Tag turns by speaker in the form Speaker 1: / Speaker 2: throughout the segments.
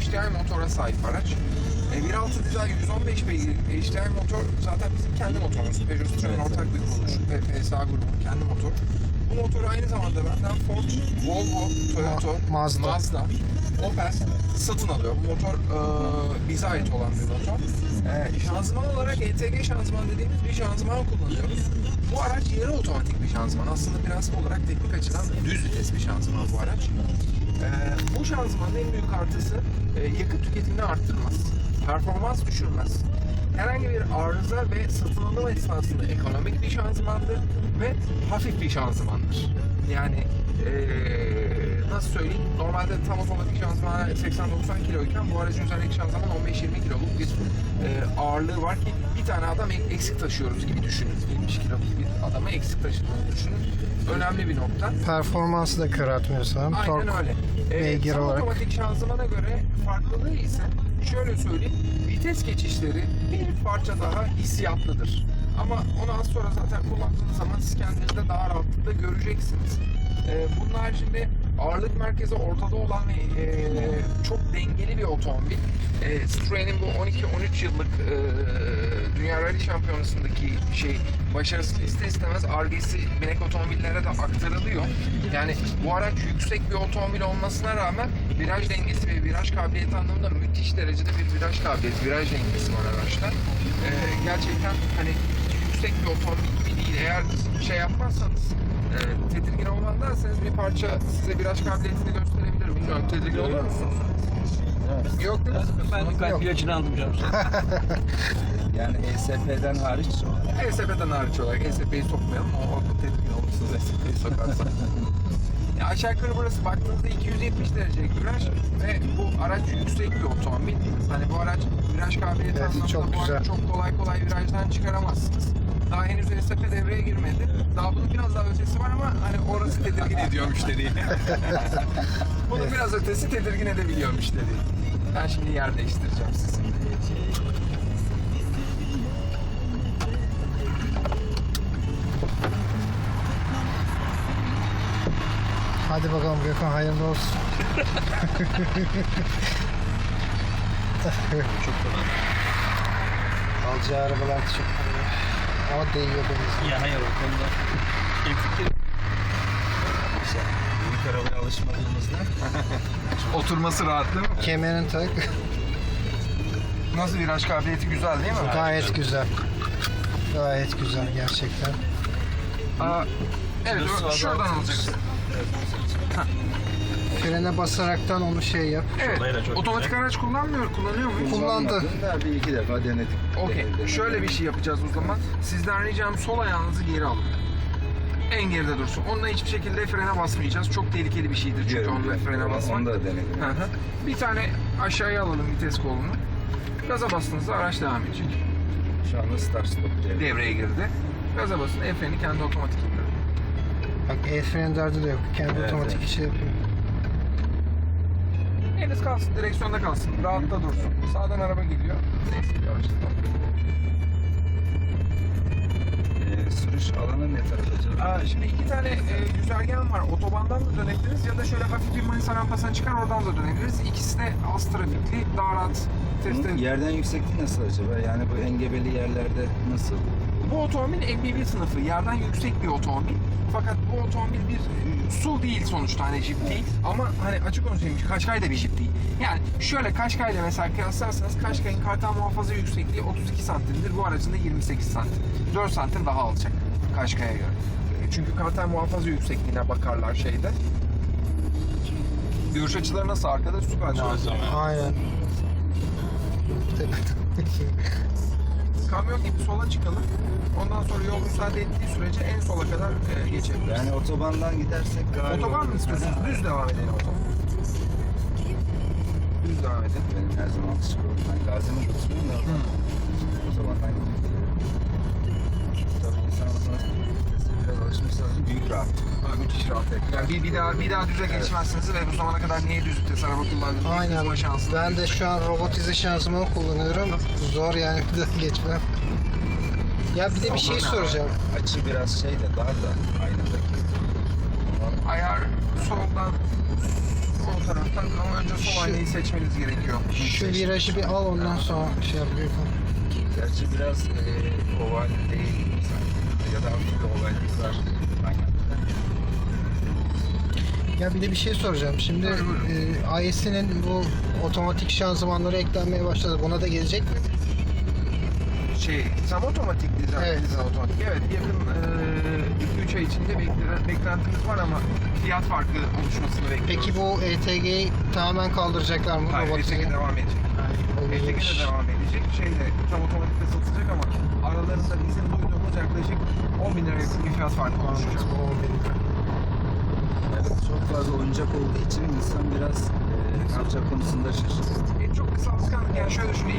Speaker 1: HDI motora sahip araç. 1.6 dizel 115 beygir HDI motor zaten bizim kendi motorumuz. Peugeot Citroen ortak bir kuruluş ve PSA grubunun kendi motoru. Bu motoru aynı zamanda benden Ford, Volvo, Toyota, Mazda, Opel satın alıyor. Bu motor bize ait olan bir motor. Şanzıman olarak ETG şanzıman dediğimiz bir şanzıman kullanıyoruz. Bu araç yarı otomatik bir şanzıman. Aslında prensip olarak teknik açıdan düz vites bir şanzıman bu araç. Bu şanzımanın en büyük artısı yakıt tüketimini arttırmaz. Performans düşürmez. Herhangi bir arıza ve satın alım esnasında ekonomik bir şanzımandır ve hafif bir şanzımandır. Yani nasıl söyleyeyim? Normalde tam otomatik şanzıman 80-90 kiloyken bu aracın üzerindeki şanzıman 15-20 kiloluk bir ağırlığı var ki bir tane adam eksik taşıyoruz gibi düşünün. 70 kiloluk bir adamı eksik taşıdığını düşünün. Önemli bir nokta.
Speaker 2: Performansı da kıratmıyor sanırım.
Speaker 1: Aynen
Speaker 2: Tork
Speaker 1: öyle.
Speaker 2: beygir
Speaker 1: Tam
Speaker 2: olarak.
Speaker 1: otomatik şanzımana göre farklılığı ise şöyle söyleyeyim. Vites geçişleri bir parça daha hissiyatlıdır. Ama onu az sonra zaten kullandığınız zaman siz kendinizde daha rahatlıkla göreceksiniz. Bunun haricinde ağırlık merkezi ortada olan ve çok dengeli bir otomobil. Citroen'in bu 12-13 yıllık Dünya Rally Şampiyonası'ndaki başarısı ister istemez Ar-Ge'si binek otomobillere de aktarılıyor. Yani bu araç yüksek bir otomobil olmasına rağmen viraj dengesi ve viraj kabiliyeti anlamında müthiş derecede bir viraj kabiliyeti, viraj dengesi var araçta. Gerçekten hani yüksek bir otomobil gibi değil. Eğer yapmazsanız tedirgin olmam derseniz bir parça size viraj kabiliyetini gösterebilirim. Bilmiyorum, tedirgin olur musunuz?
Speaker 3: Evet.
Speaker 1: Yok değil mi?
Speaker 3: Ben kalp ilacını aldım canım. Yani ESP'den hariç.
Speaker 1: ESP'den hariç olarak ESP'yi sokmayalım. O tedirgin olursunuz ESP'yi sokarsa. Ya aşağı yukarı burası baktığınızda 270 derecelik viraj ve bu araç yüksek bir otomobil. Hani bu araç viraj kabiliyeti
Speaker 2: Evet,
Speaker 1: anlamında
Speaker 2: çok
Speaker 1: bu
Speaker 2: güzel.
Speaker 1: aracı çok kolay virajdan çıkaramazsınız. Daha henüz ESP devreye girmedi. Daha bunun biraz daha ötesi var ama hani orası tedirgin ediyor müşteriyi. Bunun biraz ötesi tedirgin edebiliyor müşteriyi. Ben şimdi yer değiştireceğim sizi.
Speaker 2: Hadi bakalım Gökhan, hayırlı olsun.
Speaker 3: Çok kolay.
Speaker 2: Alacağı arabalar çok kolay. Ama değiyor deniz.
Speaker 3: Ya hayır o konuda. Fikir. İşte büyük arabaya alışmadığımızda.
Speaker 1: Oturması rahat değil mi?
Speaker 2: Kemerini tak.
Speaker 1: Nasıl, viraj kabiliyeti güzel değil mi?
Speaker 2: Gayet güzel. Gayet güzel gerçekten.
Speaker 1: Evet, şuradan alacaksın.
Speaker 2: Frene basaraktan onu yap.
Speaker 1: Evet, otomatik araç kullanıyor muyuz?
Speaker 2: Kullandı.
Speaker 3: Bir iki defa denedik.
Speaker 1: Okey, şöyle bir şey yapacağız o zaman. Sizden ricam sol ayağınızı geri alın. En geride dursun. Onunla hiçbir şekilde frene basmayacağız. Çok tehlikeli bir şeydir çünkü onunla frene basmak.
Speaker 3: Onu da denedim.
Speaker 1: Hı hı. Bir tane aşağıya alalım vites kolunu. Gaza bastığınızda araç devam edecek.
Speaker 3: Şu anda start stop
Speaker 1: Devreye girdi. Gaza basın, el freni kendi otomatik indir.
Speaker 2: Bak el freni derdi de yok. Kendi
Speaker 3: Evet,
Speaker 2: otomatik
Speaker 3: evet.
Speaker 2: işi yapıyor.
Speaker 1: Eliniz kalsın, direksiyonda kalsın. Rahatta dursun. Sağdan araba geliyor. Neyse, yavaşlatalım.
Speaker 3: Sürüş alanı ne tarafa acaba?
Speaker 1: Şimdi iki tane güzergahım var. Otobandan da dönebiliriz ya da şöyle hafif bir Manisa rampasına çıkar oradan da dönebiliriz. İkisi de az trafikli, daha rahat test
Speaker 3: Bunun yerden yüksekliği nasıl acaba? Yani bu engebeli yerlerde nasıl?
Speaker 1: Bu otomobil MPV sınıfı, yerden yüksek bir otomobil. Fakat bu otomobil bir SUV değil sonuçta, hani Jeep değil. Ama hani açık konuşayım, Qashqai de bir Jeep değil. Yani şöyle Qashqai ile mesela kıyaslarsanız Qashqai'nin kartal muhafaza yüksekliği 32 santimdir. Bu aracın da 28 santim. 4 santim daha alçak Qashqai'ye göre. Çünkü kartal muhafaza yüksekliğine bakarlar şeyde. Görüş açıları nasıl arkada? Süper.
Speaker 2: Aynen.
Speaker 1: Kamyon gibi sola çıkalım. Ondan sonra yol müsaade ettiği sürece en sola kadar geçebiliriz.
Speaker 3: Yani otobandan gidersek galiba...
Speaker 1: Otoban mı istiyorsunuz? Düz devam edelim o zaman. Düz devam edelim.
Speaker 3: Benim her zaman alışık oldum. Ben Gazi'nin oturuyorum da otobandan gidiyorum. Tabii insan otomatik biraz alışmışsa büyük rahat.
Speaker 1: Müthiş rahat. Yani bir daha düze geçmezsiniz ve bu zamana kadar niye düz vites araba kullandınız?
Speaker 2: Aynen.
Speaker 1: Bulma şansınız.
Speaker 2: Ben de şu an robotize şansımı kullanıyorum. Zor yani bir daha geçmem. Ya bir de bir şey soracağım.
Speaker 3: Açı biraz şey de dar da aynadaki.
Speaker 1: Ayar soldan O taraftan ama önce sol
Speaker 2: Şu-
Speaker 1: aynayı seçmeniz gerekiyor.
Speaker 2: Şu virajı bir al ondan sonra şey yap Gökhan.
Speaker 3: Gerçi biraz oval değil sanki. Ya da hafif bir ovallik var. Aynen.
Speaker 2: Ya bir de bir şey soracağım. Şimdi IS'inin bu otomatik şanzımanları eklenmeye başladı. Buna da gelecek mi?
Speaker 1: Tam otomatik dizayn,
Speaker 2: Evet.
Speaker 1: otomatik. Evet, yakın 2-3 ay içinde beklentimiz var ama fiyat farkı oluşmasını bekliyoruz.
Speaker 2: Peki bu ETG'yi tamamen kaldıracaklar mı?
Speaker 1: Hayır,
Speaker 2: robotize?
Speaker 1: ETG devam edecek. ETG
Speaker 2: Iyiymiş.
Speaker 1: de devam edecek. Tam otomatikte satılacak ama aralarında bizim duyduğumuz yaklaşık 10 bin lira yakın bir fiyat farkı oluşacak.
Speaker 3: Evet, çok fazla oyuncak olduğu için insan biraz ne yapacak konusunda şaşırıyor.
Speaker 1: Çok kısa alışkanlık. Yani şöyle düşün,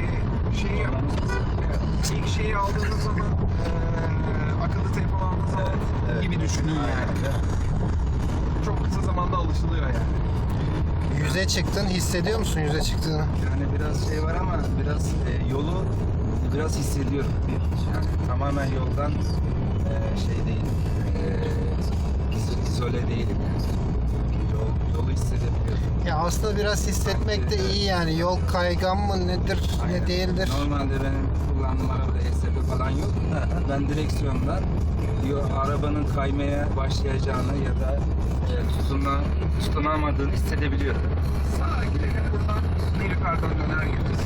Speaker 1: ilk şeyi aldığınız zaman akıllı telefon aldığınız zaman
Speaker 3: Evet.
Speaker 1: gibi düşünün yani. Çok kısa zamanda alışılıyor yani.
Speaker 2: Yüze çıktın, hissediyor musun yüze çıktığını?
Speaker 3: Yani biraz şey var ama biraz yolu biraz hissediyorum. Yani tamamen yoldan şey değil, izole değilim yani. Yolu hissedebiliyorum.
Speaker 2: Ya aslında biraz hissetmek de iyi yani. Yol kaygan mı nedir,
Speaker 3: Aynen.
Speaker 2: ne değildir?
Speaker 3: Normalde benim kullandığım arabada ESP falan yok. Ben direksiyondan arabanın kaymaya başlayacağını ya da tutunamadığını hissedebiliyorum.
Speaker 1: Sağa gidelim, buradan bir yukarıdan döner gideceğiz.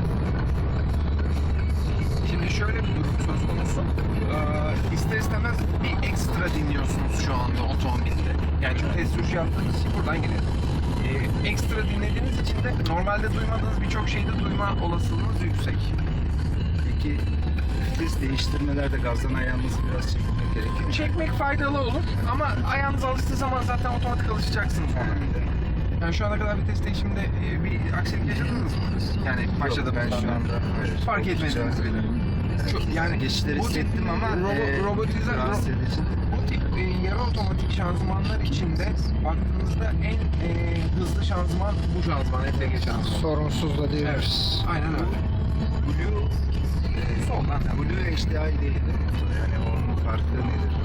Speaker 1: Şimdi şöyle bir durum söz konusu. İster istemez bir ekstra dinliyorsunuz şu anda otomobilde. Yani çünkü test sürüşü yaptığınız için buradan gidelim. Ekstra dinlediğiniz için de normalde duymadığınız birçok şeyi de duyma olasılığınız yüksek.
Speaker 3: Peki vites değiştirmelerde gazdan ayağımızı biraz çekmek gerekiyor.
Speaker 1: Çekmek faydalı olur ama ayağınız alıştığı zaman zaten otomatik alışacaksınız ona. Yani şu ana kadar vites değişiminde bir aksilik yaşadınız mı? Yani başladı
Speaker 3: ben şu anda
Speaker 1: fark etmediniz bile. Yani
Speaker 3: geçişleri
Speaker 1: bu tip
Speaker 3: hissettim ama rahatsız edici.
Speaker 1: bu tip yarı otomatik şanzımanlar içinde baktığınızda en hızlı şanzıman bu şanzıman, ETG şanzıman.
Speaker 2: Sorunsuz da diyoruz.
Speaker 1: Evet, aynen öyle.
Speaker 3: Blue
Speaker 1: Soldan.
Speaker 3: Blue HDI değil yani onun farkı nedir?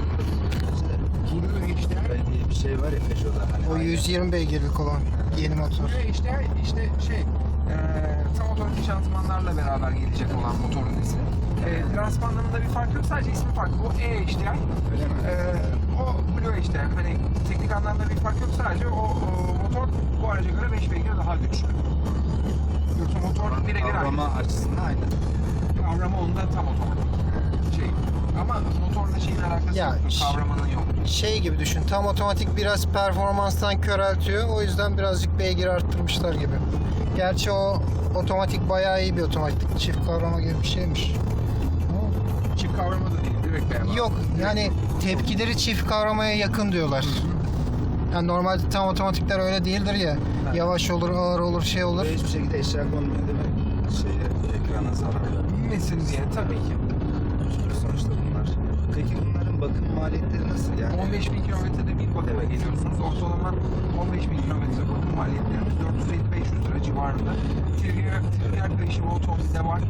Speaker 1: Blue HDI.
Speaker 3: diye bir şey var ya Peugeot'da hani.
Speaker 2: O 120 beygirlik olan yeni motor.
Speaker 1: Blue HDI işte tam otomatik şanzımanlarla beraber gelecek olan motorun ismi. Transpanlarında bir fark yok, sadece ismi farklı. Bu HDI.
Speaker 3: Öyle mi?
Speaker 1: O Blue HDI. Hani teknik anlamda bir fark yok, sadece o motor bu araca göre 5 beygir daha güçlü. Yoksa motor birebir aynı.
Speaker 3: Kavrama açısından aynı.
Speaker 1: Kavrama onda tam otomatik. Ama motorla şeyin alakası
Speaker 2: Ya,
Speaker 1: yoktur, kavramanın yok.
Speaker 2: Şey gibi düşün, tam otomatik biraz performanstan köreltiyor. O yüzden birazcık beygir arttırmışlar gibi. Gerçi o otomatik bayağı iyi bir otomatik. Çift kavrama gibi bir şeymiş.
Speaker 1: Çift kavrama da değil, direkt beyaz.
Speaker 2: Yok yani tepkileri çift kavramaya yakın diyorlar. Yani normalde tam otomatikler öyle değildir ya. Yavaş olur, ağır olur, şey olur.
Speaker 3: Ve hiçbir şekilde eşya konmuyor değil mi? Ekrana zarar vermiyor.
Speaker 1: Bilmesin diye tabii ki.
Speaker 3: Sonuçta bunlar. Peki bunların bakım maliyetleri nasıl yani?
Speaker 1: 15.000 kilometrede bir bakıma geliyorsunuz. Ortalama 15.000 kilometre bakım maliyetlerimiz 450-500 lira civarında. Trigger değişimi otomobilde var.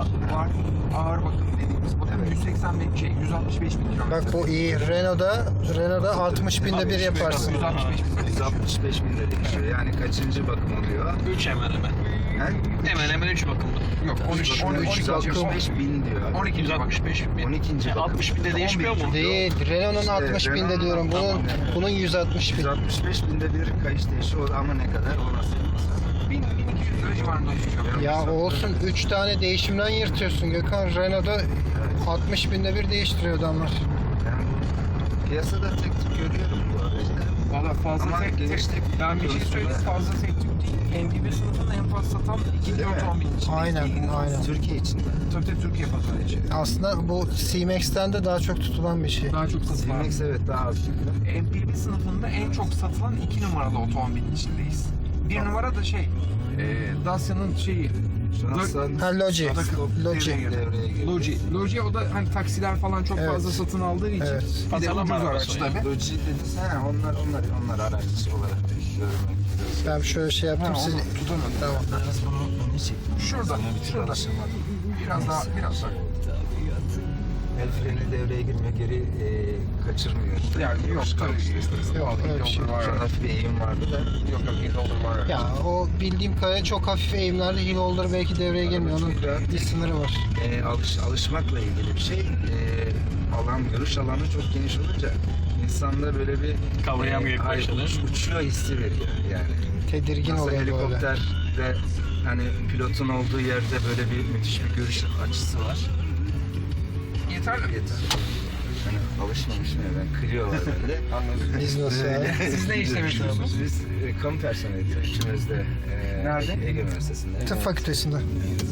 Speaker 1: Ağır bakım dediğimiz bakım 165 bin kilometre.
Speaker 2: Bak bu iyi. Renault'da 60 binde bir yaparsın.
Speaker 3: 165 bin de değişiyor. Yani kaçıncı bakım oluyor?
Speaker 4: 3 hemen hemen.
Speaker 3: He?
Speaker 4: Hemen hemen 3 bakımda.
Speaker 1: Yok
Speaker 3: 165 bin diyor.
Speaker 1: 12.
Speaker 4: 165 bin.
Speaker 3: 12. bakım.
Speaker 4: 60 binde değişmiyor mu?
Speaker 2: Değil. Renault'un
Speaker 3: İşte
Speaker 2: 60 binde
Speaker 3: Renault'un
Speaker 2: diyorum. Bunun 160 bin.
Speaker 3: 165 binde bir kayış değişiyor ama ne kadar? O nasıl?
Speaker 1: 1200 lira civarında düşüyor.
Speaker 2: Ya olsun 3 tane değişimden yırtıyorsun Gökhan. Renault'da 60 binde bir değiştiriyor adamlar.
Speaker 3: Yani piyasada tek tük görüyorum bu aracı.
Speaker 1: Valla fazla
Speaker 3: Ama
Speaker 1: tek
Speaker 3: genişlik
Speaker 1: ben bir şey
Speaker 3: konusunda-
Speaker 1: söyleyeyim, fazla tek tük değil. MPV sınıfının en fazla satan ikinci
Speaker 3: Değil mi?
Speaker 1: otomobil için.
Speaker 2: Aynen, aynen.
Speaker 3: Türkiye içinde.
Speaker 1: Tabii Türkiye pazarı için.
Speaker 2: Aslında bu C-Max'ten de daha çok tutulan bir şey.
Speaker 1: Daha çok satılan.
Speaker 3: CMX evet daha az çünkü.
Speaker 1: MPV sınıfında en çok satılan 2 numaralı otomobilin içindeyiz. 1 numara da Dacia'nın şeyi.
Speaker 3: Şanslan
Speaker 2: Ha Logi. Logi.
Speaker 3: devreye girdi.
Speaker 1: Logi o da hani taksiler falan çok
Speaker 2: Evet.
Speaker 1: fazla satın aldığı için
Speaker 2: Evet.
Speaker 1: bir de
Speaker 4: Pazarlama
Speaker 1: ucuz araç
Speaker 4: arabası yani.
Speaker 1: tabii.
Speaker 3: Logi dediniz ha onlar araç olarak görmek.
Speaker 2: Ben şöyle şey yaptım
Speaker 1: Ha,
Speaker 2: siz.
Speaker 1: onu tutamadım.
Speaker 2: Tamam.
Speaker 3: Biraz bunu çektim.
Speaker 1: Şurada,
Speaker 3: Sana bir türlü
Speaker 1: şurada.
Speaker 3: alışamadım.
Speaker 1: Biraz daha.
Speaker 3: El freni devreye girmiyor, geri kaçırmıyor.
Speaker 1: Yani yok tabii.
Speaker 2: Yok, öyle bir şey
Speaker 1: Var.
Speaker 3: Şu an hafif bir eğim vardı da.
Speaker 1: Yok hill holder var.
Speaker 2: Ya o bildiğim kadarıyla çok hafif eğimlerde hill holder belki devreye girmiyor. Onun bir sınırı var.
Speaker 3: Alışmakla ilgili bir şey. Görüş alanı çok geniş olunca insanda böyle bir
Speaker 4: Kavrayamıyor ilk başta, değil mi?
Speaker 3: uçuyor hissi veriyor yani.
Speaker 2: Tedirgin
Speaker 3: Nasıl
Speaker 2: oluyor böyle.
Speaker 3: helikopterde hani pilotun olduğu yerde böyle bir müthiş bir görüş açısı var.
Speaker 1: Yeterli.
Speaker 3: Yeter. Hani alışmamışım ya ben kırıyorlar bende.
Speaker 1: Anladım.
Speaker 2: Biz nasıl abi?
Speaker 1: Siz ne işlem yapıyorsunuz?
Speaker 3: Biz kamu personeliyiz ikimiz de.
Speaker 1: Nerede?
Speaker 3: Ege Üniversitesi'nde.
Speaker 2: Tıp fakültesinde.
Speaker 3: Ama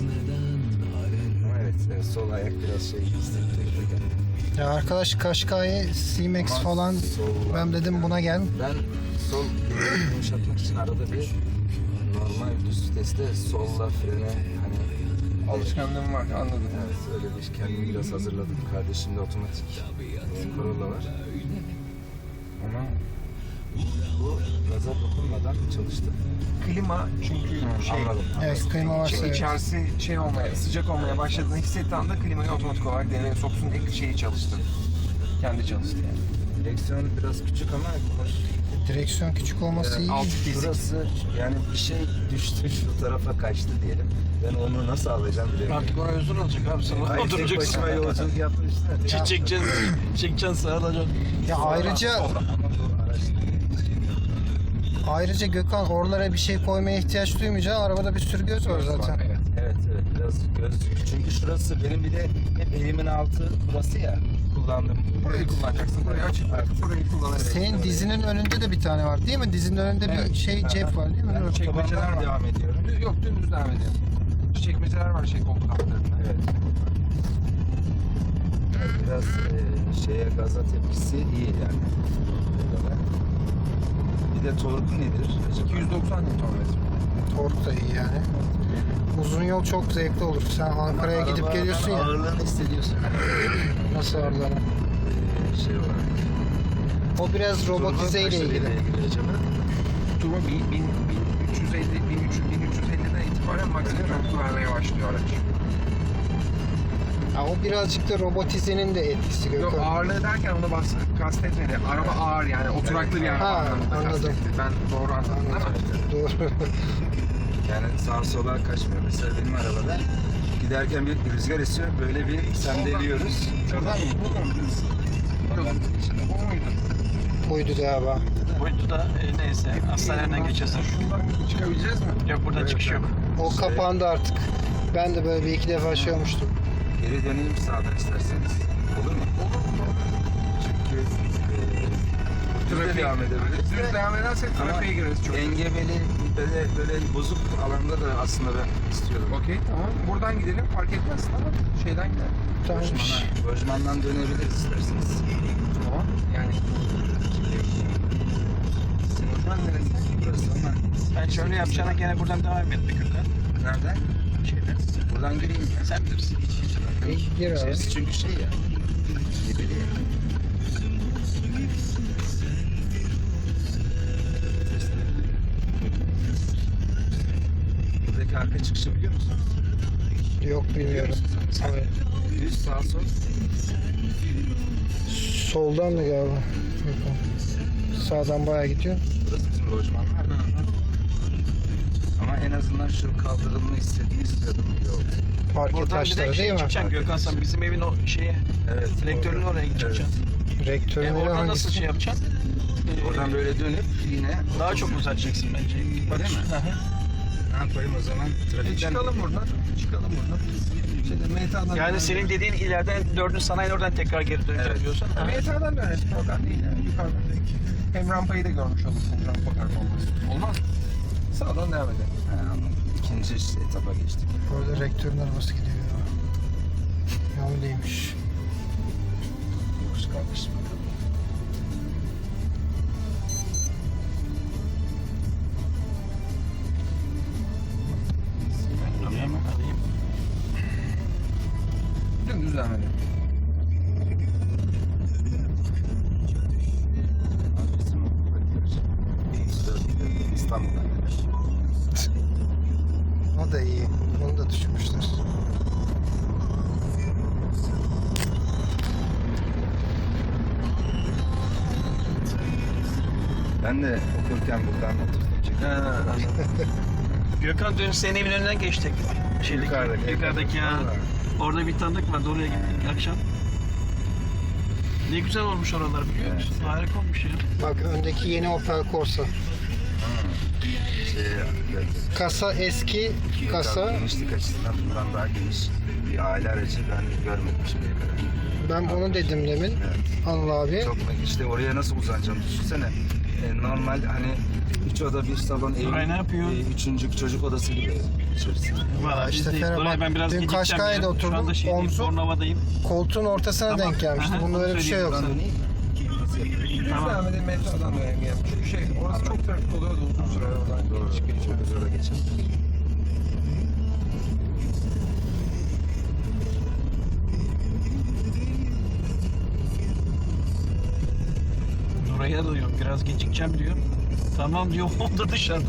Speaker 3: evet sol ayak biraz şey hissettiriyor.
Speaker 2: Ya arkadaş Kaşkay'ı C-Max
Speaker 3: Ama
Speaker 2: falan
Speaker 3: sol-
Speaker 2: ben dedim buna gel.
Speaker 3: Ben sol yumuşatmak için arada bir normal düz viteste solla frene hani
Speaker 1: Alışkanlığım var anladım.
Speaker 3: evet öyle bir kendimi biraz hazırladım. Kardeşimde otomatik Corolla var. Ama bu gaza dokunmadan çalıştı.
Speaker 1: Klima çünkü şey
Speaker 3: Anladım.
Speaker 2: Evet klima varsa evet.
Speaker 1: içerisi şey olmaya, sıcak olmaya başladığını hissettiği anda klimayı otomatik olarak devreye soksun diye şeyi çalıştı. Kendi çalıştı yani.
Speaker 3: Direksiyon biraz küçük ama hoş.
Speaker 2: Direksiyon küçük olması iyi.
Speaker 1: Altı kesik.
Speaker 3: Burası yani bir şey düştü şu tarafa kaçtı diyelim. Ben onu nasıl alacağım bilemiyorum.
Speaker 4: Artık oraya uzun olacak abi sana.
Speaker 3: Hayır, tek
Speaker 4: Oturacaksın.
Speaker 3: başıma yolculuk yapmıştım.
Speaker 4: Çekeceksin sağa alacaksın.
Speaker 2: Ya ayrıca Gökhan oralara bir şey koymaya ihtiyaç duymayacaksın. Arabada bir sürü göz var zaten.
Speaker 1: Evet.
Speaker 3: Evet biraz gözlük. Çünkü şurası benim bir de hep elimin altı burası ya kullandım.
Speaker 1: Burayı kullanacaksın. Burayı açıp bırakıp burayı kullanabilirsin.
Speaker 2: Senin dizinin önünde de bir tane var değil mi? Dizinin önünde bir
Speaker 1: Evet.
Speaker 2: şey cep var değil mi?
Speaker 3: Ben
Speaker 1: Çekmeceler var.
Speaker 3: devam ediyorum.
Speaker 1: Yok dümdüz devam ediyor. Çekmeceler var şey koltuk altlarında.
Speaker 3: Evet. Biraz şeye gaza tepkisi iyi yani. Bir de torku nedir?
Speaker 1: 290 Nm.
Speaker 2: Tork da iyi yani. Uzun yol çok zevkli olur. Sen Ankara'ya gidip
Speaker 3: Arabanın
Speaker 2: geliyorsun ya.
Speaker 3: ağırlığını hissediyorsun.
Speaker 2: Nasıl ağırlanır?
Speaker 3: Şey olarak.
Speaker 2: O biraz robotize ile ilgili.
Speaker 1: Turbo 1350'den itibaren maksimum torku vermeye başlıyor araç.
Speaker 2: Ha, o birazcık da robotizenin de etkisi
Speaker 1: Yok
Speaker 2: Gökhan.
Speaker 1: ağırlığı derken onu kastetmedi. Araba ağır yani oturaklı bir araba
Speaker 2: Ha,
Speaker 1: anlamında
Speaker 2: anladım.
Speaker 1: kastetti. Ben doğru anladım değil mi?
Speaker 2: Doğru.
Speaker 3: Yani sağa sola kaçmıyor. Mesela benim arabada giderken bir rüzgar esiyor. Böyle bir sendeliyoruz.
Speaker 1: Şuradan mı? Bu mu? Yok. O muydu?
Speaker 2: Buydu galiba.
Speaker 4: Boyutu da neyse hastaneden geçersin.
Speaker 1: Şuradan çıkabileceğiz mi?
Speaker 4: Yok buradan çıkış yok.
Speaker 2: O kapandı artık. Ben de böyle bir iki defa şey olmuştum.
Speaker 3: Geri döneyim sağdan isterseniz. Olur mu? Çünkü
Speaker 1: Trafiğe
Speaker 3: devam edebiliriz.
Speaker 1: Düz devam edersek
Speaker 3: Ama
Speaker 1: trafiğe gireriz çok.
Speaker 3: engebeli böyle bozuk alanda da aslında ben istiyorum.
Speaker 1: Okey tamam. Buradan gidelim fark etmez ama şeyden gidelim.
Speaker 2: Tamam.
Speaker 3: Lojmandan dönebiliriz isterseniz.
Speaker 1: Tamam. Yani Lojman neresi?
Speaker 3: Burası ama
Speaker 4: Ben şöyle yapacağına gene buradan devam et bir Gökhan.
Speaker 3: nereden?
Speaker 4: Şeyden.
Speaker 3: Buradan gireyim ya.
Speaker 4: Sen bilirsin.
Speaker 2: Gir abi.
Speaker 3: İçerisi çünkü şey ya. Engebeli ya. Buradaki arka çıkışı biliyor musun?
Speaker 2: Yok bilmiyorum. Evet.
Speaker 3: Düz sağ sol.
Speaker 2: Soldan da galiba. Sağdan bayağı gidiyor.
Speaker 3: Burası bizim lojmanlar. Ama en azından şu kaldırımını istiyordum. Yok.
Speaker 2: Parke
Speaker 4: Buradan
Speaker 2: taşları
Speaker 4: direkt
Speaker 2: değil mi?
Speaker 4: çıkacaksın Gökhan sen bizim evin o şeye
Speaker 3: Evet.
Speaker 4: rektörün oraya gideceksin.
Speaker 2: Rektörün
Speaker 4: Oradan nasıl
Speaker 2: hangisi?
Speaker 4: şey yapacaksın?
Speaker 3: Oradan böyle dönüp yine
Speaker 4: Daha çok uzatacaksın bence.
Speaker 3: Değil mi? Ne yapayım o zaman? Trafikten
Speaker 1: Çıkalım buradan. Çıkalım buradan. Şeyde MTA'dan
Speaker 4: Yani senin dediğin ileriden 4. sanayi oradan tekrar geri döneceğim
Speaker 3: Evet.
Speaker 4: diyorsan. ha.
Speaker 1: MTA'dan döneriz. Problem değil yani. Yukarıdan. Hem rampayı da görmüş olursun. Rampa performansı. Olmaz mı? Sağdan devam edelim.
Speaker 3: Ha, anladım. İkinci etapa geçtik.
Speaker 2: Orada rektörün arabası gidiyor ya. Ya öyleymiş.
Speaker 3: Yokuş kalkış bakalım.
Speaker 4: Alayım.
Speaker 1: Dümdüz devam edelim.
Speaker 3: Bizim İstanbul'dan gelir.
Speaker 2: O da iyi. Onu da düşürmüşler.
Speaker 3: Ben de okurken buradan oturdum çünkü.
Speaker 4: Gökhan dün senin evin önünden geçtik. Yukarıdaki ya.
Speaker 3: Vallahi.
Speaker 4: Orada bir tanıdık vardı, oraya gittik akşam. Ne güzel olmuş oralar biliyor musun?
Speaker 3: Evet.
Speaker 4: Harika olmuş ya.
Speaker 2: Bak öndeki yeni Opel Corsa.
Speaker 3: Evet.
Speaker 2: Kasa eski kasa.
Speaker 3: Genişlik açısından bundan daha geniş bir aile aracı ben görmedim şimdiye kadar.
Speaker 2: Ben onu dedim demin.
Speaker 3: Evet.
Speaker 2: Anıl abi.
Speaker 3: Çok işte oraya nasıl uzanacağım düşünsene. Normal hani 3 oda bir salon ev.
Speaker 4: Ay, ne yapıyor?
Speaker 3: Üçüncü çocuk odası gibi içerisi.
Speaker 4: Valla
Speaker 2: işte
Speaker 4: biz de
Speaker 2: Ferhat,
Speaker 4: oraya ben biraz
Speaker 2: dün
Speaker 4: gideceğim
Speaker 2: Kaşkay'da
Speaker 4: ya.
Speaker 2: oturdum,
Speaker 4: Şu anda şeydeyim,
Speaker 2: omzu-
Speaker 4: Bornova'dayım.
Speaker 2: Koltuğun ortasına
Speaker 4: Tamam.
Speaker 2: denk gelmişti.
Speaker 4: Aha,
Speaker 2: Bunda
Speaker 4: onu
Speaker 2: öyle bir şey yok.
Speaker 3: Buradan döneyim. Nasıl yapayım?
Speaker 1: Biz
Speaker 4: Tamam.
Speaker 1: devam edelim, metrodan dönelim yani. Çünkü orası çok trafik oluyordu uzun süre oradan.
Speaker 3: Doğru.
Speaker 1: Çıkıp geçiyoruz.
Speaker 3: Çok zora geçelim.
Speaker 4: Nuray'a da diyorum biraz gecikeceğim diyor. Tamam diyor, o da dışarıda.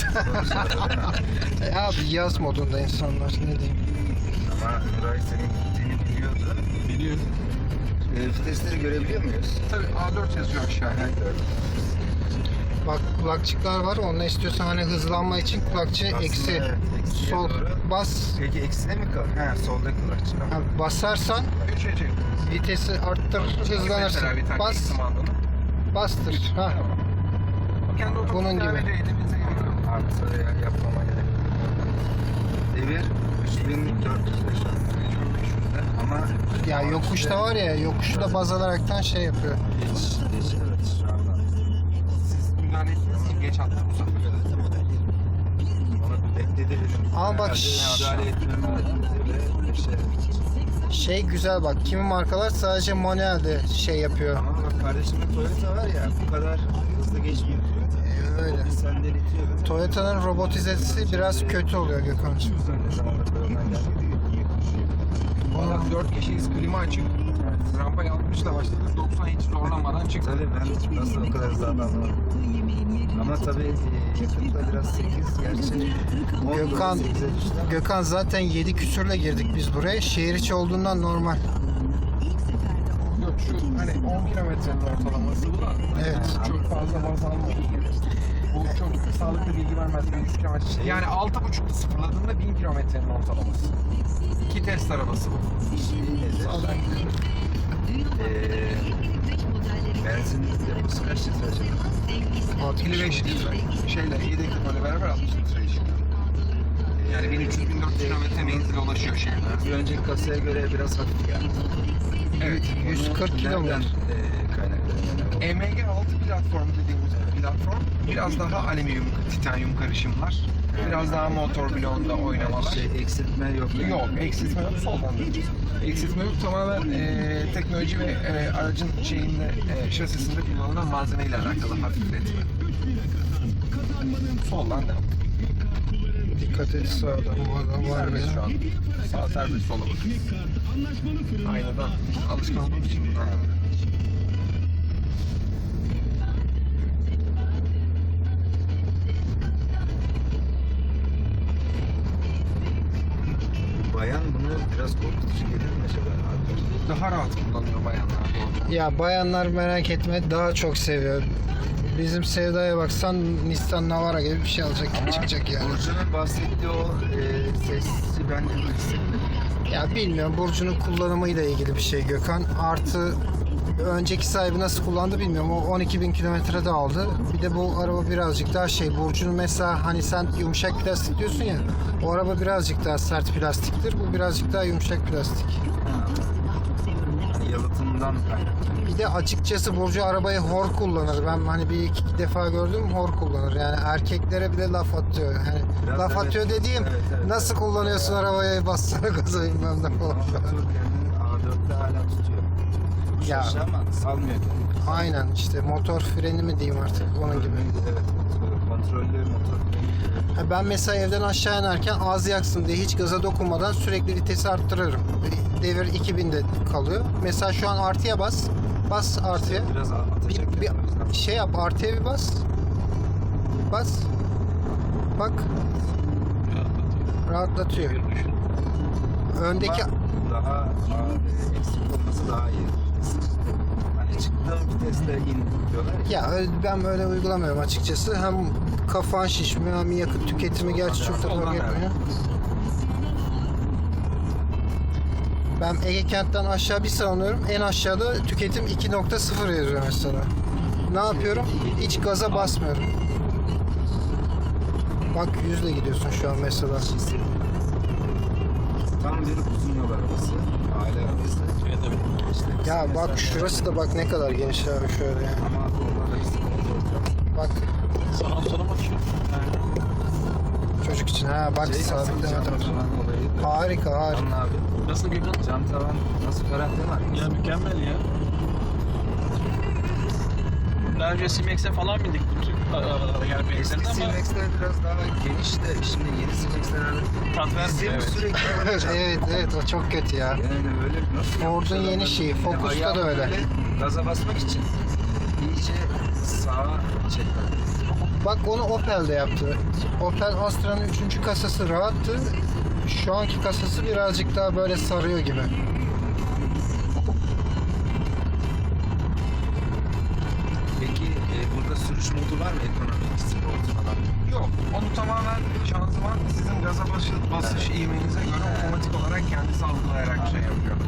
Speaker 2: Abi yaz modunda insanlar ne diyeyim.
Speaker 3: Ama Nuray senin gittiğini biliyordu.
Speaker 4: Biliyor.
Speaker 3: Vitesleri görebiliyor muyuz?
Speaker 1: Tabii A4 yazıyor aşağıya.
Speaker 2: Bak kulakçıklar var. Onunla istiyorsan hani hızlanma için kulakçı
Speaker 3: Aslında
Speaker 2: eksi.
Speaker 3: evet, eksiye
Speaker 2: Sol
Speaker 3: doğru.
Speaker 2: bas.
Speaker 3: Peki eksine mi kal? Ha solda kulakçı.
Speaker 2: Ha, basarsan
Speaker 1: 3'e çek.
Speaker 2: vitesi arttır, hızlanırsın.
Speaker 1: Mesela bir tane
Speaker 2: Bas,
Speaker 1: kumandonu.
Speaker 2: bastır. Ha.
Speaker 1: O kendi otomatik
Speaker 2: Bunun gibi.
Speaker 1: devrede elimize geliyor.
Speaker 3: Artı yapmama gerek yok. Devir 3405 ama
Speaker 2: Ya yokuşta var ya, yokuşu da baz alaraktan şey yapıyor.
Speaker 3: geç evet şu anda.
Speaker 1: Siz müdahale ettiniz mi? Geç attı bu sefer.
Speaker 3: Ona bir bekledi dedim.
Speaker 2: Ama bak
Speaker 3: Müdahale etmem lazım diye bir şey.
Speaker 2: şey güzel bak. Kimi markalar sadece manuelde şey yapıyor.
Speaker 3: Ama bak kardeşimde Toyota var ya bu kadar hızlı geçmiyor.
Speaker 2: Öyle.
Speaker 3: Bir senden itiyor.
Speaker 2: Toyota'nın robotizesi biraz kötü oluyor Gökhan'cığım.
Speaker 3: Ne zamandır Toyota'dan geldi.
Speaker 1: Valla 4 kişiyiz, klima açık. Rampayı 60'la başladık, 90 hiç zorlamadan çıktık.
Speaker 3: Tabii ben nasıl o kadar hızlı anlamadım. Ama tabii yakıtta biraz 8 gerçi.
Speaker 2: Gökhan, Gökhan zaten 7 küsürle girdik biz buraya. Şehir içi olduğundan normal.
Speaker 1: Yok şu hani 10 kilometrenin ortalaması bu da.
Speaker 2: Evet.
Speaker 1: Çok fazla baz almadık. Bu çok sağlıklı bilgi vermez. 100 kilometre. Yani 6.5'da sıfırladığında 1000 kilometrenin ortalaması. 2 test arabası bu. Sağdan gidiyor.
Speaker 3: Benzin deposu kaç litre acaba?
Speaker 1: 55 litre. Şeyle yedek depoyla beraber 60 litre işiyor. Yani 1300-1400 kilometre menzile ulaşıyor şehirde.
Speaker 3: Bir önceki kasaya göre biraz hafif yani.
Speaker 1: Evet.
Speaker 2: 140 kilometre.
Speaker 3: Nereden kaynaklanıyor?
Speaker 1: EMG 6 platformu dediğimiz platform biraz daha alüminyum, titanyum karışımlar. Biraz daha motor bloğunda oynamalar.
Speaker 3: Şey eksiltme yok.
Speaker 1: Yok, eksiltme yok, soldan döneceğiz. Eksiltme yok, tamamen teknoloji ve aracın şeyinde, şasisinde kullanılan malzemeyle alakalı hafifletme. Soldan devam.
Speaker 2: Dikkat et sağdan bu adam var
Speaker 1: Serbest şu
Speaker 2: ya.
Speaker 1: an. Sağ serbest, sola bak. Aynadan alışkan olduğumuz için.
Speaker 3: Bayan bunu biraz korkutucu gelir mi acaba?
Speaker 1: Daha rahat kullanıyor bayanlar doğru.
Speaker 2: Ya bayanlar merak etme daha çok seviyor. Bizim Sevda'ya baksan Nissan Navara gibi bir şey alacak gibi çıkacak yani.
Speaker 3: Burcu'nun bahsettiği o sesi ben de hissettim.
Speaker 2: Ya bilmiyorum Burcu'nun kullanımıyla ilgili bir şey Gökhan. Artı önceki sahibi nasıl kullandı bilmiyorum. O 12.000 kilometrede aldı. Bir de bu araba birazcık daha şey. Burcu'nun mesela hani sen yumuşak plastik diyorsun ya. O araba birazcık daha sert plastiktir. Bu birazcık daha yumuşak plastik.
Speaker 3: Hani yalıtımdan kaynaklı.
Speaker 2: Bir de açıkçası Burcu arabayı hor kullanır. Ben hani bir iki defa gördüm hor kullanır. Yani erkeklere bile laf atıyor. Yani
Speaker 3: Biraz
Speaker 2: laf
Speaker 3: evet.
Speaker 2: atıyor dediğim
Speaker 3: Evet.
Speaker 2: nasıl kullanıyorsun arabayı bassana gaza bilmem ne falan.
Speaker 3: Ama motor kendini A4'te hala tutuyor.
Speaker 2: Ya.
Speaker 3: Şaşı ama salmıyor kendini.
Speaker 2: Aynen işte motor freni mi diyeyim artık onun gibi.
Speaker 3: Evet. Kontrollü motor.
Speaker 2: Ha, ben mesela evden aşağı inerken az yaksın diye hiç gaza dokunmadan sürekli vitesi arttırırım. Devir 2000'de kalıyor. Mesela şu an artıya bas. Bas artıya.
Speaker 3: Biraz atacak.
Speaker 2: Bir
Speaker 3: yani, o yüzden.
Speaker 2: şey yap artıya bir bas. Bas. Bak rahatlatıyor. Öndeki
Speaker 3: Ama daha eksik olması daha iyi. Hani ilk çıktığım viteste in diyorlar.
Speaker 2: Ya ben böyle uygulamıyorum açıkçası. Hem kafan şişmiyor hem yakıt tüketimi gerçi çok da fark
Speaker 1: Soldan
Speaker 2: etmiyor. Ben Ege Kent'ten aşağı bir savunuyorum. En aşağıda tüketim 2.0 yazıyor mesela. Ne yapıyorum? Hiç gaza basmıyorum. Bak 100'le gidiyorsun şu an mesela.
Speaker 3: Tam bir uzun yol arabası. Aile arabası. İşte
Speaker 2: Ya bak
Speaker 3: mesela-
Speaker 2: şurası da bak ne kadar geniş abi şöyle ya.
Speaker 3: Ama oralarda bir sıkıntı olacak.
Speaker 2: Bak
Speaker 4: Sana sorun açıyor.
Speaker 2: çocuk için ha bak sabitlemedim. Harika harika.
Speaker 3: Anla abi.
Speaker 4: Nasıl Gökhan?
Speaker 3: Cam tavan nasıl garanti var?
Speaker 4: Ya mükemmel ya. Daha önce Simex'e falan bindik bu tür arabalara yani
Speaker 3: Eski
Speaker 4: benzerinde ama
Speaker 3: Silvex'ler biraz daha geniş de şimdi yeni Silvex'ler
Speaker 4: tat vermiyor.
Speaker 3: bizim
Speaker 4: Evet.
Speaker 3: sürekli
Speaker 2: Evet evet o çok kötü ya.
Speaker 3: yani öyle nasıl
Speaker 2: Ford'un
Speaker 3: yapmışlar
Speaker 2: yeni
Speaker 3: onları?
Speaker 2: şeyi,
Speaker 3: Bir de
Speaker 2: Focus'ta
Speaker 3: ayağı
Speaker 2: da öyle.
Speaker 3: böyle Gaza basmak için iyice sağa çekmek.
Speaker 2: Bak onu Opel'de yaptı. Opel Astra'nın 3. kasası rahattı. Şu anki kasası birazcık daha böyle sarıyor gibi.
Speaker 3: Peki burada sürüş modu var mı? Ekonomik, sport falan.
Speaker 1: Yok. Onu tamamen şanzıman sizin gaza basış ivmenize göre otomatik olarak kendisi algılayarak şey yapıyor.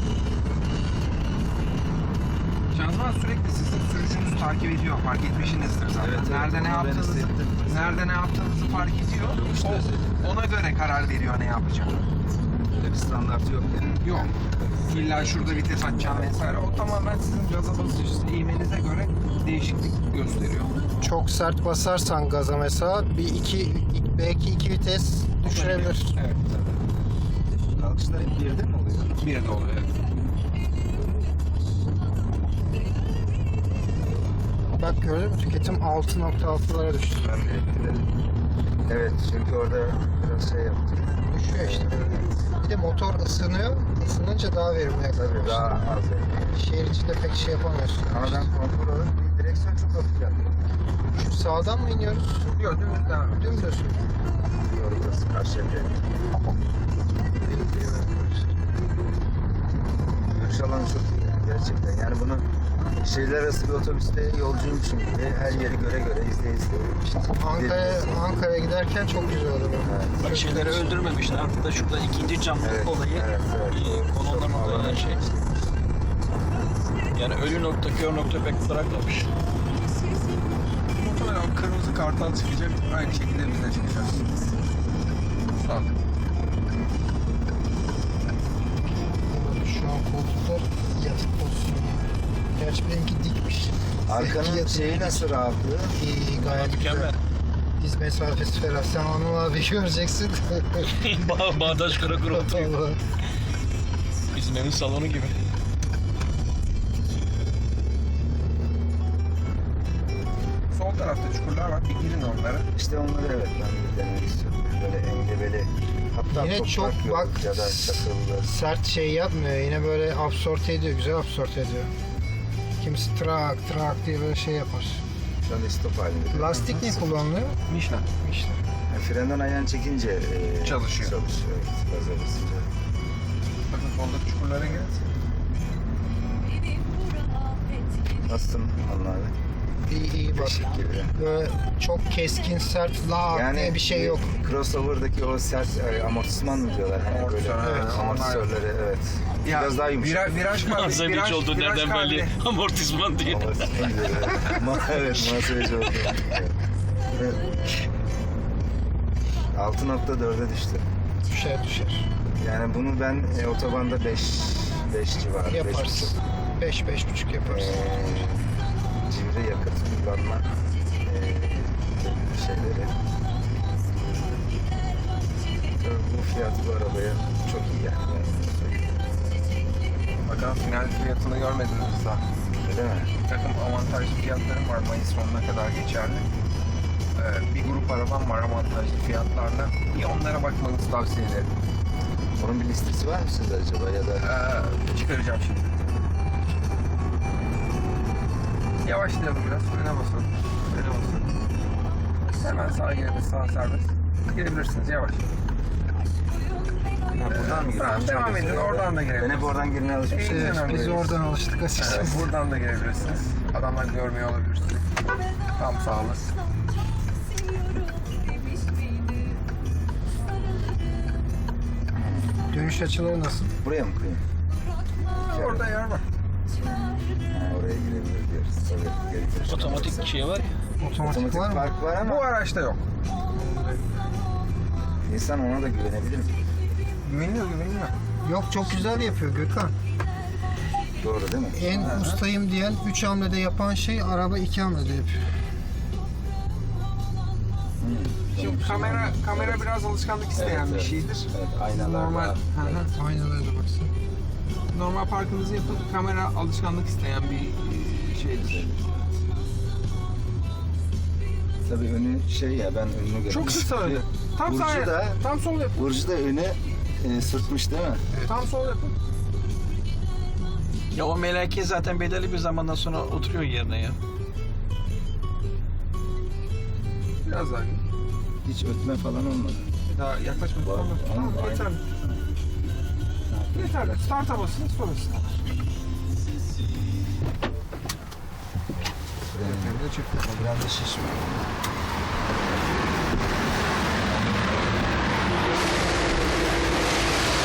Speaker 1: Şanzıman sürekli sizin sürücünüzü takip ediyor. Fark etmişsinizdir zaten.
Speaker 3: Evet, evet.
Speaker 1: Nerede ne
Speaker 3: Onu ben
Speaker 1: yaptığınızı,
Speaker 3: hissettim.
Speaker 1: nerede ne yaptığınızı fark ediyor. Ona göre karar veriyor ne yapacak.
Speaker 3: Öyle bir standartı yok yani.
Speaker 1: Yok. İlla şurada vites açacağım vesaire. O tamamen sizin gaza basış ivmenize göre değişiklik gösteriyor.
Speaker 2: Çok sert basarsan gaza mesela belki 2 vites düşürebilir.
Speaker 1: Evet.
Speaker 3: Kalkışlar hep bir yerde mi oluyor?
Speaker 1: Bir de oluyor. Evet.
Speaker 2: Bak gördün mü tüketim 6.6'lara düştü.
Speaker 3: Ben de evet çünkü orada biraz şey yaptım.
Speaker 2: Düşüyor işte. Bir de motor ısınıyor. Isınınca daha verimli
Speaker 3: Tabii
Speaker 2: yaklaşıyor.
Speaker 3: daha az yani.
Speaker 2: Şehir içinde pek şey yapamıyorsun.
Speaker 3: Ama ben konfor olarak bir direksiyon çok hafif yaptım.
Speaker 2: Şu sağdan mı iniyoruz?
Speaker 1: Yok dümdüz devam ediyor.
Speaker 2: Dümdüz.
Speaker 3: Doğru burası karşıya Görüş alanı çok iyi yani gerçekten. Yani bunu şehirler arası bir otobüste yolcuymuşum gibi her yeri göre göre izleye
Speaker 2: Ankara'ya giderken çok güzel olur.
Speaker 4: Bak şeyleri öldürmemişler. Artık da şurada ikinci cam olayı kolonların olan şey. Yani ölü nokta, kör nokta pek bırakmamış.
Speaker 1: Muhtemelen o kırmızı kartal çıkacak. Aynı şekilde biz de çıkacağız. Sağ ol.
Speaker 2: Şu an koltuklar yatık pozisyonu. Gerçi benimki dikmiş.
Speaker 3: Arkanın
Speaker 2: Yatık
Speaker 3: şeyi
Speaker 2: dik.
Speaker 3: nasıl rahatlığı?
Speaker 2: İyi gayet güzel.
Speaker 4: Mükemmel.
Speaker 2: Diz mesafesi ferah. Sen Anıl abi göreceksin.
Speaker 4: Bağdaş Karakur oturuyor.
Speaker 2: Vallahi.
Speaker 4: Bizim evin salonu gibi.
Speaker 1: Sol tarafta çukurlar var. Bir girin onlara.
Speaker 3: İşte onları evet ben bir denemek istiyorum. Böyle engebeli. Hatta
Speaker 2: Yine
Speaker 3: toprak
Speaker 2: çok
Speaker 3: yolu
Speaker 2: bak
Speaker 3: ya da çakıllı.
Speaker 2: sert şey yapmıyor. Yine böyle absorte ediyor. Güzel absorte ediyor. Kimisi trak diye böyle şey yapar.
Speaker 3: Şu anda stop halinde.
Speaker 2: Lastik ne kullanılıyor?
Speaker 1: Michelin.
Speaker 2: İşte.
Speaker 3: Yani frenden ayağını çekince
Speaker 1: Çalışıyor.
Speaker 3: Çalışıyor. Evet. Gaza basınca.
Speaker 1: Bakın soldaki çukurlara girin.
Speaker 3: Nasılsın Anıl abi?
Speaker 2: İyi bak.
Speaker 3: Beşik gibi.
Speaker 2: Böyle çok keskin, sert, lağ diye bir şey yok.
Speaker 3: Crossover'daki o sert amortisman mı diyorlar? Hani
Speaker 1: Amortisör,
Speaker 3: böyle
Speaker 1: evet,
Speaker 3: amortisörleri evet.
Speaker 1: Ya,
Speaker 3: Biraz daha yumuşak.
Speaker 1: Viraj kavli.
Speaker 4: Malzemeci olduğu nereden belli? Amortisman diye.
Speaker 3: Amortisman diyor. Evet, muhasebeci oldu. Evet. 6.4'e düştü.
Speaker 2: Düşer.
Speaker 3: Yani bunu ben otobanda 5 civarı.
Speaker 2: Yaparsın. 5-5,5 yaparsın.
Speaker 3: Cimri yakıt kullanma şeyleri. Tabii bu fiyat bu arabaya çok iyi yani.
Speaker 1: Bakalım final fiyatını görmediniz daha.
Speaker 3: Öyle mi?
Speaker 1: Bir takım avantajlı fiyatlarım var Mayıs sonuna kadar geçerli. Bir grup arabam var avantajlı fiyatlarla. Bir onlara bakmanızı tavsiye ederim.
Speaker 3: Onun bir listesi var mı sizde acaba ya da?
Speaker 1: Çıkaracağım şimdi. Yavaşlayalım biraz. Frene basalım. Hemen sağa girelim. Sağ serbest. Girebilirsiniz yavaş.
Speaker 3: Ha, buradan mı
Speaker 1: Tamam, devam edin. Oradan da
Speaker 3: Ben
Speaker 1: girebilirsiniz.
Speaker 3: hep oradan girmeye alışmışım.
Speaker 1: İyi.
Speaker 2: Evet, biz oradan alıştık açıkçası.
Speaker 1: Evet, buradan da girebilirsiniz. Adamlar görmüyor olabilir. Tam sağ olasın.
Speaker 2: Dönüş açıları nasıl?
Speaker 3: Buraya mı koyayım?
Speaker 1: Orada yer var.
Speaker 3: Ha, oraya girebilir diyoruz. Oraya girebilir.
Speaker 4: Otomatik şey var ya.
Speaker 2: Otomatik var mı?
Speaker 3: park var ama
Speaker 1: Bu araçta yok.
Speaker 3: insan ona da güvenebilir mi?
Speaker 1: Güveniyor.
Speaker 2: Yok, çok güzel yapıyor Gökhan.
Speaker 3: Doğru değil mi?
Speaker 2: En ustayım diyen 3 hamlede yapan şey araba 2 hamlede yapıyor.
Speaker 1: Şimdi kamera biraz alışkanlık isteyen bir şeydir.
Speaker 3: Evet, aynalar
Speaker 1: Normal.
Speaker 3: var.
Speaker 1: Hı hı.
Speaker 2: Aynen öyle baksana.
Speaker 1: Normal parkınızı yapın. Kamera alışkanlık isteyen bir şeydir.
Speaker 3: Tabii önü şey ya, ben önünü görüyorum.
Speaker 1: Çok kısa önü. Tam
Speaker 3: Burcu
Speaker 1: sağ
Speaker 3: da-
Speaker 1: tam sol yapın.
Speaker 3: Burcu da önü sırtmış değil mi?
Speaker 1: Tam sol yapın.
Speaker 4: Ya o meleke zaten belirli bir zamandan sonra oturuyor yerine ya.
Speaker 1: Biraz daha.
Speaker 3: Hiç ötme falan olmadı.
Speaker 1: Daha yaklaşmadık.
Speaker 3: Var.
Speaker 1: Tamam,
Speaker 3: Aynen.
Speaker 1: yeterli. Yeterli. Start'a basın, sonra start.
Speaker 3: Biraz da şişme.